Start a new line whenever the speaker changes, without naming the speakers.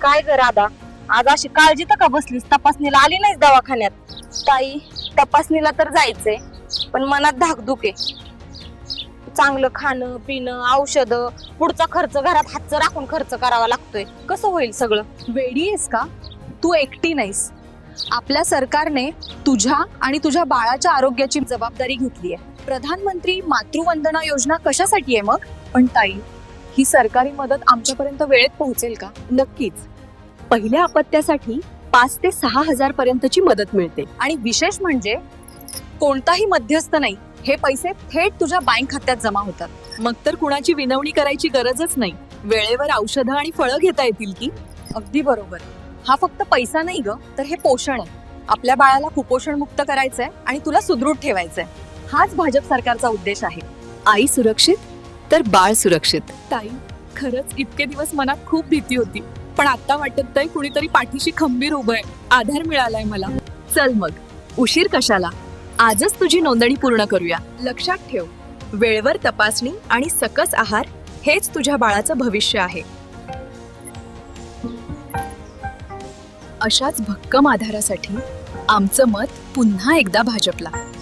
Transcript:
काय ग राधा, आज अशी काळजी तर का बसलीस? तपासणीला आली नाहीस दवाखान्यात?
ताई, तपासणीला तर जायचंय, पण मनात धाकधूक आहे.
चांगलं खाणं पिणं औषध, पुढचा खर्च घरात हातचं राखून खर्च करावा लागतोय. कसं होईल सगळं?
वेडी आहेस का? तू एकटी नाहीस. आपल्या सरकारने तुझ्या आणि तुझ्या बाळाच्या आरोग्याची जबाबदारी घेतली आहे. प्रधानमंत्री मातृवंदना योजना कशासाठी आहे मग? पण ताई, ही सरकारी मदत आमच्यापर्यंत वेळेत पोहोचेल का?
नक्कीच. पहिल्या अपत्यासाठी 5 ते 6 हजार पर्यंतची मदत मिळते.
आणि विशेष म्हणजे कोणताही मध्यस्थ नाही, हे पैसे थेट तुझ्या बँक खात्यात जमा होतात.
मग तर कुणाची विनवणी करायची गरजच नाही. वेळेवर औषधं आणि फळं घेता येतील की.
अगदी बरोबर. हा फक्त पैसा नाही ग, तर हे पोषण आहे. आपल्या बाळाला कुपोषण मुक्त करायचंय आणि तुला सुदृढ ठेवायचंय. हाच भाजप सरकारचा उद्देश आहे.
आई सुरक्षित तर बाळ सुरक्षित.
ताई, खरंच इतके दिवस मनात खूप भीती होती, पण आता वाटत आहे कुणीतरी पाठीशी खंबीर उभं आहे. आधार मिळालाय मला.
चल मग, उशीर कशाला? आजच तुझी नोंदणी पूर्ण करूया.
लक्षात ठेव, वेळेवर तपासणी आणि सकस आहार हेच तुझ्या बाळाचं भविष्य आहे. अशाच भक्कम आधारासाठी आमचं मत पुन्हा एकदा भाजपला.